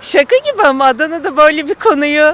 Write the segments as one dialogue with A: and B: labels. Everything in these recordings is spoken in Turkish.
A: Şaka gibi ama Adana'da böyle bir konuyu.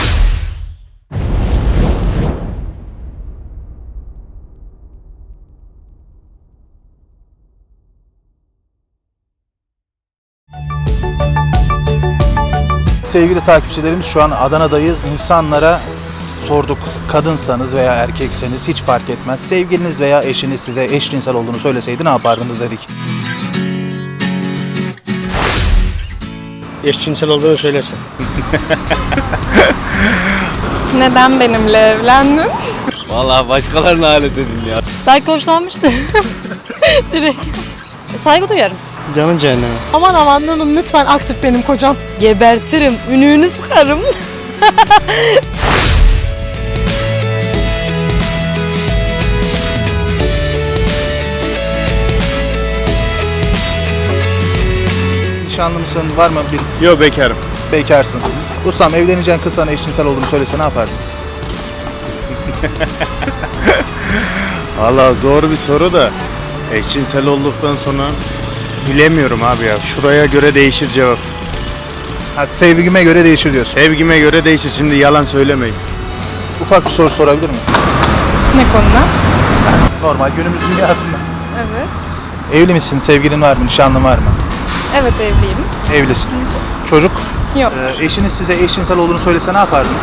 B: Sevgili takipçilerimiz, şu an Adana'dayız. İnsanlara sorduk. Kadınsanız veya erkekseniz hiç fark etmez. Sevgiliniz veya eşiniz size eşcinsel olduğunu söyleseydi ne yapardınız dedik.
C: Eşcinsel olduğunu söylesen.
D: Neden benimle evlendin?
E: Vallahi başkalarına alet edin ya.
D: Belki hoşlanmıştı. Direkt. Saygı duyarım.
C: Canın cehenneme.
F: Aman aman Nur'um lütfen aktif benim kocam.
D: Gebertirim, ününü sıkarım.
B: Nişanlı mısın? Var mı bir
C: Yok, bekarım.
B: bekarsın? Ustam, evleneceğin kız sana eşcinsel olduğunu söylese ne yapardın?
C: Vallahi zor bir soru da eşcinsel olduktan sonra bilemiyorum abi ya. Şuraya göre değişir cevap.
B: Ha, sevgime göre değişir diyorsun.
C: Sevgime göre değişir. Şimdi yalan söylemeyin.
B: Ufak bir soru sorabilir miyim?
D: Ne konuda?
B: Normal günümüz dünyasında.
D: Evet.
B: Evli misin? Sevgilin var mı? Nişanlın var mı?
D: Evet, evliyim.
B: Evlisin. Çocuk?
D: Yok.
B: Eşiniz size eşcinsel olduğunu söylese ne yapardınız?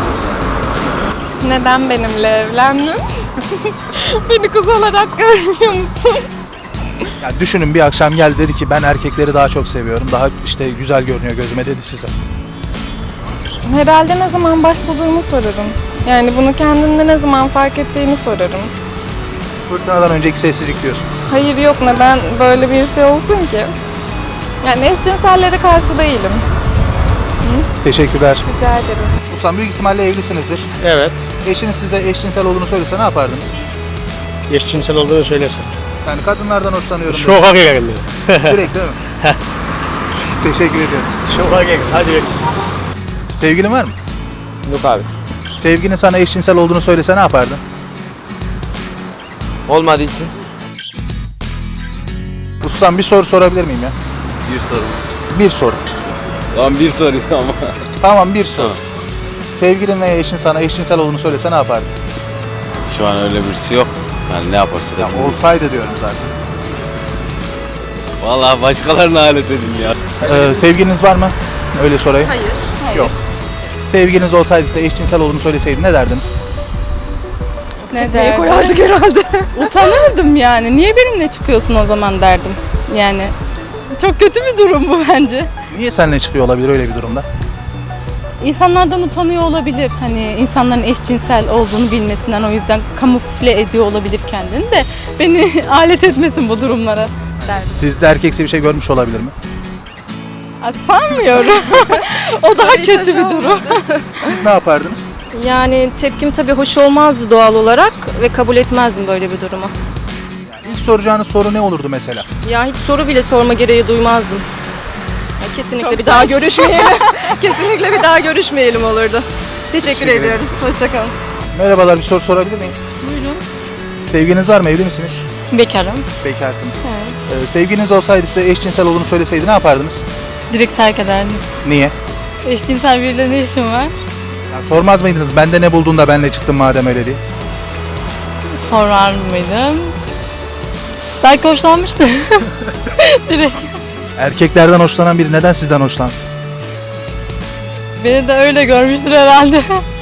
D: Neden benimle evlendin? Beni kız olarak görmüyor musun?
B: Ya düşünün, bir akşam geldi dedi ki ben erkekleri daha çok seviyorum. Daha işte güzel görünüyor gözüme dedi size.
D: Herhalde ne zaman başladığını sorarım. Yani bunu kendinde ne zaman fark ettiğini sorarım.
B: Fırtınadan önceki sessizlik diyorsun.
D: Hayır, yok, neden böyle bir şey olsun ki? Yani eşcinsellere karşı değilim.
B: Teşekkürler.
D: Rica ederim.
B: Ustam, büyük ihtimalle evlisinizdir.
C: Evet.
B: Eşiniz size eşcinsel olduğunu söylese ne yapardınız?
C: Eşcinsel olduğunu söylesen.
B: Yani kadınlardan hoşlanıyorum.
C: Şoka geldi.
B: Direkt değil mi? Teşekkür ediyorum.
C: Şoka geldi. Hadi bekle.
B: Sevgilin var mı?
E: Yok abi.
B: Sevginin sana eşcinsel olduğunu söylese ne yapardın?
E: Olmadığı için.
B: Ustam, bir soru sorabilir miyim ya?
E: Bir soru.
B: Bir soru.
E: Tamam bir soru ama.
B: Tamam, bir soru.
E: Tamam.
B: Sevgilin veya eşin sana eşcinsel olduğunu söylese ne yapardın?
E: Şu an öyle birisi yok. Yani ne yaparsa da.
B: Olsaydı diyorum zaten.
E: Vallahi başkalarına alet edin ya.
B: Sevgiliniz var mı? Öyle sorayım.
A: Hayır.
B: Yok. Sevgiliniz olsaydı size eşcinsel olduğunu söyleseydi ne derdiniz?
D: Ne
A: Neye
D: derdim?
A: koyardık herhalde.
D: Utanırdım yani. Niye benimle çıkıyorsun o zaman derdim. Yani çok kötü bir durum bu bence.
B: Niye seninle çıkıyor olabilir öyle bir durumda?
D: İnsanlardan utanıyor olabilir. Hani insanların eşcinsel olduğunu bilmesinden, o yüzden kamufle ediyor olabilir kendini de beni alet etmesin bu durumlara derdim.
B: Sizde erkeksi bir şey görmüş olabilir mi?
D: Sanmıyorum. O daha kötü bir durum.
B: Siz ne yapardınız?
A: Yani tepkim tabii hoş olmazdı doğal olarak ve kabul etmezdim böyle bir durumu.
B: İlk soracağınız soru ne olurdu mesela?
A: Ya hiç soru bile sorma gereği duymazdım. Ya kesinlikle
D: Çok
A: bir daha görüşmeyelim. Kesinlikle bir daha görüşmeyelim olurdu. Teşekkür ediyoruz. Hoşçakalın.
B: Merhabalar, bir soru sorabilir miyim?
D: Buyurun.
B: Sevginiz var mı? Evli misiniz?
D: Bekarım.
B: Bekarsınız. Sevginiz olsaydı size eşcinsel olduğunu söyleseydi ne yapardınız?
D: Direkt terk ederdim.
B: Niye?
D: Eşcinsel biriyle ne işim var?
B: Ya sormaz mıydınız? Bende ne buldun da benle çıktın madem öyle diye?
D: Sorar mıydım? Belki hoşlanmıştı. Direkt.
B: Erkeklerden hoşlanan biri neden sizden hoşlansın?
D: Beni de öyle görmüştür herhalde.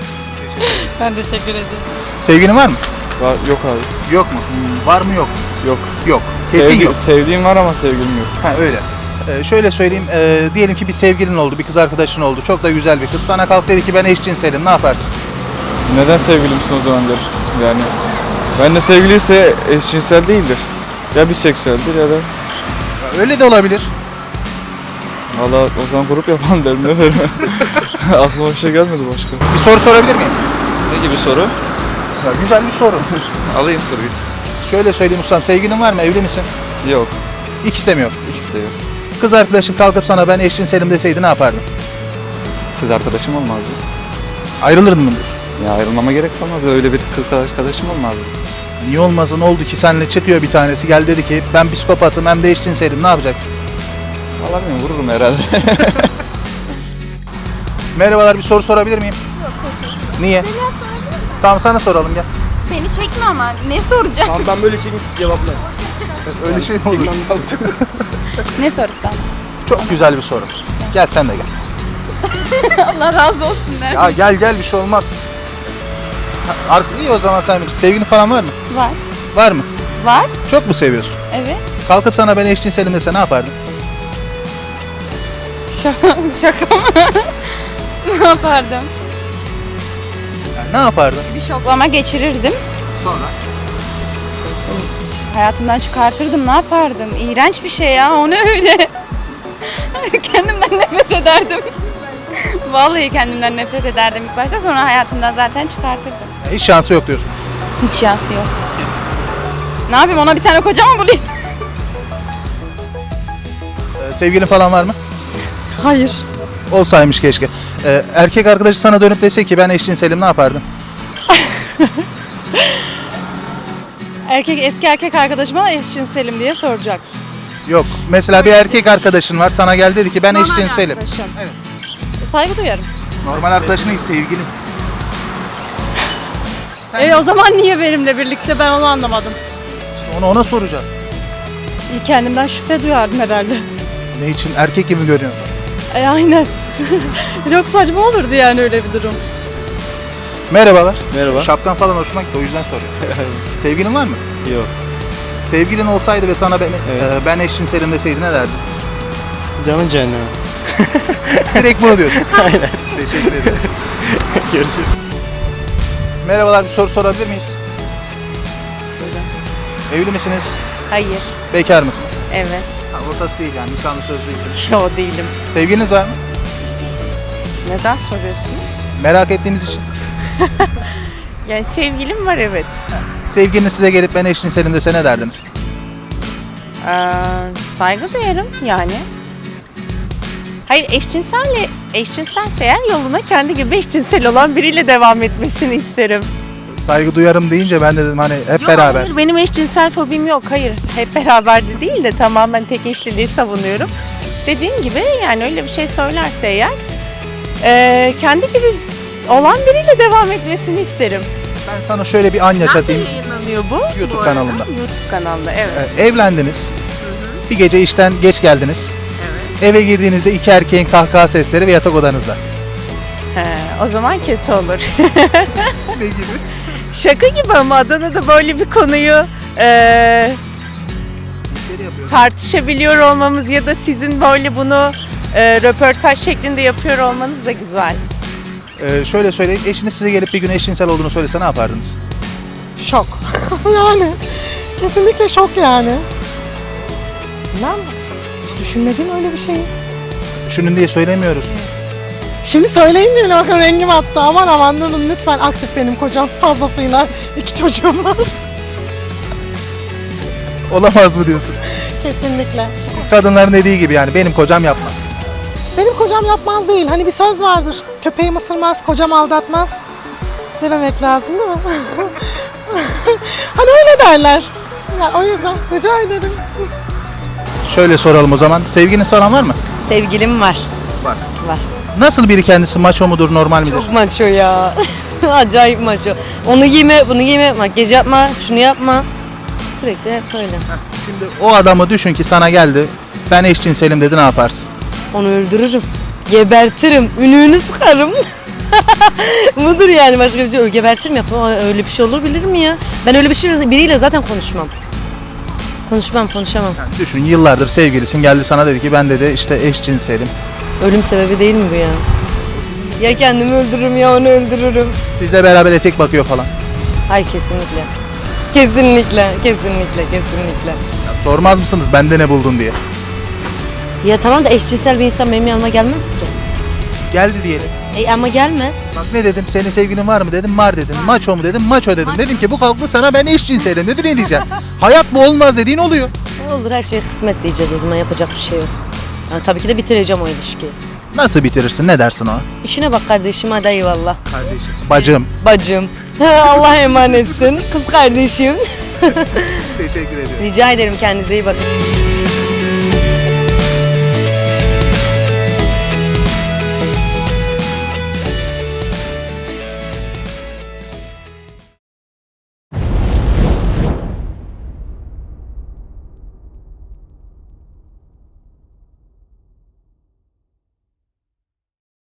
D: Ben teşekkür ederim.
B: Sevginin var mı?
G: Yok abi.
B: Yok mu? Var mı yok?
G: Yok.
B: Yok. Kesin yok.
G: Sevdiğim var ama sevgilim yok.
B: Ha, öyle. Şöyle söyleyeyim, diyelim ki bir sevgilin oldu, bir kız arkadaşın oldu. Çok da güzel bir kız. Sana kalk dedi ki ben eşcinselim, ne yaparsın?
G: Neden sevgilimsin o zaman der. Yani benimle sevgiliyse eşcinsel değildir. Ya biseksüeldir ya da
B: Öyle de olabilir.
G: valla o zaman grup yapalım derim ne derim. Aklıma bir şey gelmedi başka.
B: Bir soru sorabilir miyim?
G: Ne gibi soru?
B: Ya, güzel bir soru.
G: Alayım soruyu.
B: Şöyle söyleyeyim ustam, sevgilin var mı? Evli misin?
G: Yok.
B: İkisi de mi yok?
G: İkisi de yok.
B: Kız arkadaşın kalkıp sana ben eşcinselim deseydi ne yapardın?
G: Kız arkadaşım olmazdı.
B: Ayrılırdın mı diyorsun?
G: Ya ayrılmama gerek kalmazdı. Öyle bir kız arkadaşım olmazdı.
B: Niye olmasın, oldu ki seninle çıkıyor bir tanesi, gel dedi ki ben psikopatım hem de eşcinselim, ne yapacaksın?
G: Valla bilmiyorum, vururum herhalde.
B: Merhabalar, bir soru sorabilir miyim? Yok. Niye? Tamam, sana soralım gel.
H: Beni çekme ama ne soracağım?
G: Tamam ben böyle çekeyim siz cevapla.
B: Öyle şey mi olur?
H: Ne sorursam?
B: Çok güzel bir soru. Gel sen de gel.
H: Allah razı olsun der.
B: Ya gel bir şey olmaz. İyi o zaman sen bilirsin. Sevgilin falan var mı?
H: Var.
B: Var mı?
H: Var.
B: Çok mu seviyorsun?
H: Evet.
B: Kalkıp sana ben eşcinselim dese ne yapardın?
H: Şaka mı? Ne yapardım?
B: Yani ne yapardın?
H: Bir şoklama geçirirdim.
B: Sonra?
H: Hayatımdan çıkartırdım. Ne yapardım? İğrenç bir şey ya. O ne öyle? Kendimden nefret ederdim. Vallahi kendimden nefret ederdim ilk başta. Sonra hayatımdan zaten çıkartırdım.
B: Hiç şansı yok diyorsun.
H: Hiç şansı yok. Ne yapayım? Ona bir tane koca mı bulayım?
B: Sevgilin falan var mı?
A: Hayır.
B: Olsaymış keşke. Erkek arkadaşı sana dönüp dese ki ben eşcinselim ne yapardın?
D: Eski erkek arkadaşıma eşcinselim diye soracak.
B: Yok. Mesela bir erkek arkadaşın var sana geldi dedi ki ben eşcinselim.
D: Arkadaşım.
B: Evet.
D: Saygı duyarım.
B: Normal arkadaşın değil, sevgilin.
D: O zaman niye benimle birlikte, ben onu anlamadım.
B: Onu ona soracağız.
D: Kendimden şüphe duyardım herhalde.
B: Ne için? Erkek gibi görüyorsun.
D: Aynen. Çok saçma olurdu yani öyle bir durum.
B: Merhabalar.
G: Merhaba.
B: Şapkan falan hoşuma gitti o yüzden soruyorum. Sevgilin var mı?
G: Yok.
B: Sevgilin olsaydı ve sana ben eşcinselim deseydi ne derdin?
G: Canın cehenneme.
B: Direkt bunu diyorsun. Aynen. Teşekkür ederim.
G: Görüşürüz.
B: Merhabalar, bir soru sorabilir miyiz? Evli misiniz?
I: Hayır,
B: Bekar mısın?
I: evet.
B: Ortası değil yani, nişanlı sözlüyseniz.
I: Yo değilim.
B: Sevgiliniz var mı?
I: Neden soruyorsunuz?
B: Merak ettiğimiz için.
I: Yani sevgilim var evet.
B: Sevgiliniz size gelip ben eşcinselim dese ne derdiniz?
I: Saygı duyarım yani. Hayır eşcinselse eğer yoluna kendi gibi eşcinsel olan biriyle devam etmesini isterim.
B: Saygı duyarım deyince ben de dedim hani hep
I: Yok,
B: beraber.
I: Hayır benim eşcinsel fobim yok. Hayır hep beraber de değil de tamamen tek eşliliği savunuyorum. Dediğim gibi yani öyle bir şey söylerse eğer kendi gibi olan biriyle devam etmesini isterim.
B: Ben sana şöyle bir an yaşatayım.
I: Nerede yayınlanıyor bu?
B: YouTube
I: bu arada?
B: kanalında.
I: YouTube kanalında evet.
B: Evlendiniz. Bir gece işten geç geldiniz. Eve girdiğinizde iki erkeğin kahkaha sesleri ve yatak odanızda.
I: He, o zaman kötü olur.
B: Ne gibi?
I: Şaka gibi ama Adana'da böyle bir konuyu tartışabiliyor olmamız ya da sizin böyle bunu röportaj şeklinde yapıyor olmanız da güzel.
B: Şöyle söyleyeyim, eşiniz size gelip bir gün eşcinsel olduğunu söylese ne yapardınız?
F: Şok. Yani kesinlikle şok yani. Bilmem. Hiç düşünmedim öyle bir şeyi.
B: Düşünün diye söylemiyoruz.
F: Şimdi söyleyince bile bakın rengim attı. Aman durun lütfen, aktif benim kocam fazlasıyla. 2 çocuğum var.
B: Olamaz mı diyorsun?
F: Kesinlikle.
B: Kadınların dediği gibi yani benim kocam yapmaz.
F: Benim kocam yapmaz değil. Hani bir söz vardır. Köpeğim ısırmaz, kocam aldatmaz. Dememek lazım değil mi? Hani öyle derler. Yani o yüzden rica ederim.
B: Şöyle soralım o zaman. Sevginiz falan var mı?
A: Sevgilim var.
B: Var.
A: Var.
B: Nasıl biri kendisi, maço mudur, normal midir?
A: Çok maço ya. Acayip maço. Onu giyme, bunu giyme, makyaj yapma, şunu yapma. Sürekli hep öyle.
B: Şimdi o adamı düşün ki sana geldi. Ben eşcinselim dedi, ne yaparsın?
A: Onu öldürürüm. Gebertirim. Ününü sıkarım. Budur yani, başka bir şey. Gebertirim yapma. Öyle bir şey olur bilir mi ya? Ben öyle bir şey biriyle zaten konuşmam. Konuşamam.
B: Yani düşün, yıllardır sevgilisin, geldi sana dedi ki ben dedi işte eşcinselim.
A: Ölüm sebebi değil mi bu ya? Ya kendimi öldürürüm ya onu öldürürüm.
B: Sizle beraber etek bakıyor falan.
A: Hayır kesinlikle. Kesinlikle.
B: Ya sormaz mısınız bende ne buldun diye?
A: Ya tamam da eşcinsel bir insan benim yanıma gelmez ki.
B: Geldi diyelim.
A: Ama gelmez.
B: Bak ne dedim, senin sevgilin var mı dedim, var dedim. Maço mu dedim, maço dedim. Dedim ki bu kalktı sana ben eşcinselim dedi, ne diyeceksin? Hayat bu olmaz dediğin oluyor.
A: Olur, her şey kısmet diyeceğiz o zaman, yapacak bir şey yok. Yani tabii ki de bitireceğim o ilişkiyi.
B: Nasıl bitirirsin, ne dersin o?
A: İşine bak kardeşim, hadi eyvallah.
B: Kardeşim. Bacım.
A: Bacım. Allah emanetsin. Kız kardeşim.
B: Teşekkür ederim.
A: Rica ederim, kendinize iyi bakın.